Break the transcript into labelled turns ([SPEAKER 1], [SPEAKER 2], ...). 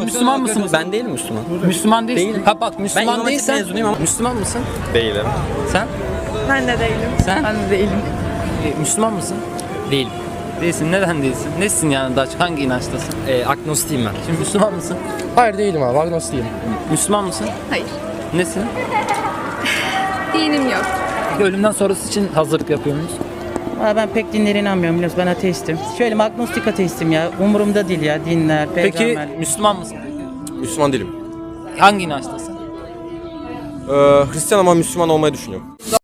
[SPEAKER 1] Müslüman mısınız?
[SPEAKER 2] Ben değilim Müslüman.
[SPEAKER 1] Müslüman değilsin.
[SPEAKER 2] Değilim.
[SPEAKER 1] Ha bak
[SPEAKER 2] Ben
[SPEAKER 1] Müslüman
[SPEAKER 2] İmam Hatip
[SPEAKER 1] değilsen
[SPEAKER 2] mezunuyum ama-
[SPEAKER 1] Müslüman mısın?
[SPEAKER 2] Değilim.
[SPEAKER 1] Sen?
[SPEAKER 3] Ben de değilim.
[SPEAKER 1] Sen?
[SPEAKER 3] Ben de değilim.
[SPEAKER 1] Müslüman mısın?
[SPEAKER 2] Değilim.
[SPEAKER 1] Değilsin. Neden değilsin? Nesin yani daha çok? Hangi inançtasın?
[SPEAKER 2] Agnostiyim ben.
[SPEAKER 1] Şimdi Müslüman mısın?
[SPEAKER 4] Hayır değilim abi. Agnostiyim.
[SPEAKER 1] Müslüman mısın?
[SPEAKER 3] Hayır.
[SPEAKER 1] Nesin?
[SPEAKER 3] Dinim yok.
[SPEAKER 1] Peki ölümden sonrası için hazırlık yapıyor muyuz?
[SPEAKER 5] Aa, ben pek dinlere inanmıyorum biliyorsun, ben ateistim. Şöyle agnostik ateistim ya, umurumda değil ya dinler,
[SPEAKER 1] Peki
[SPEAKER 5] peygamber.
[SPEAKER 1] Müslüman mısın?
[SPEAKER 6] Müslüman değilim.
[SPEAKER 1] Hangi inançtasın?
[SPEAKER 6] Hristiyan ama Müslüman olmayı düşünüyorum.